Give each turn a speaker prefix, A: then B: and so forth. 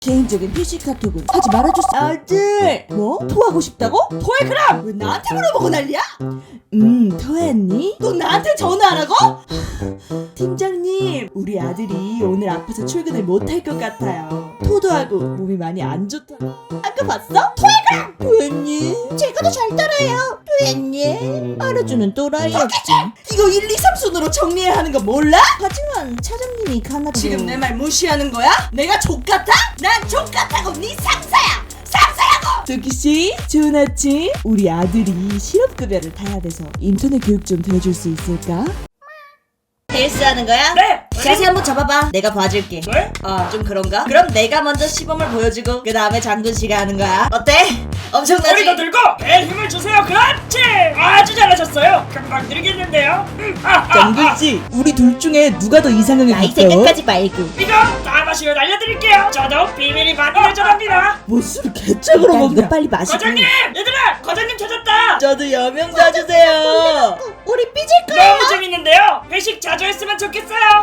A: 개인적인 PC 카톡은 하지 말아줬어. 아들 뭐? 토하고 싶다고? 토해 그럼! 왜 나한테 물어보고 난리야? 토했니? 또 나한테 전화하라고? 팀장님 우리 아들이 오늘 아파서 출근을 못할 것 같아요. 토도 하고 몸이 많이 안 좋다. 아까 봤어? 토해 그럼! 토했니? 제가 더 잘 따라해요. 토했니? 알아주는 또라이였지. 이거 1, 2, 3순으로 정리해야 하는 거 몰라? 하지만 차장님이 가나 지금 내 말 무시하는 거야? 내가 족같아? 난 족같다고 네 상사야! 상사라고! 도끼씨 좋은 아침. 우리 아들이 실업급여를 타야 돼서 인터넷 교육 좀 들어줄 수 있을까? 헬스하는 거야?
B: 네!
A: 자세 한번 잡아봐. 내가 봐줄게.
B: 네?
A: 좀 그런가? 그럼 내가 먼저 시범을 보여주고 그 다음에 장군 씨가 하는 거야. 어때? 엄청나지?
B: 머리도 들고 배에 힘을 주세요. 그렇지! 아주 잘하셨어요. 금방 늘겠는데요.
A: 장군 씨, 우리 둘 중에 누가 더 이상형이
C: 나이
A: 가까워?
C: 생각하지 말고
B: 이거 다 마시고 알려드릴게요. 저도 비밀이 많이 여전합니다.
A: 뭐 술을 개짝으로
C: 일단 이거
A: 먹냐?
C: 빨리 마시고
B: 과장님! 얘들아! 과장님 찾았다!
A: 저도 여명 사주세요.
C: 우리 삐질 거야.
B: 너무 재밌는데요? 회식 자주 했으면 좋겠어요.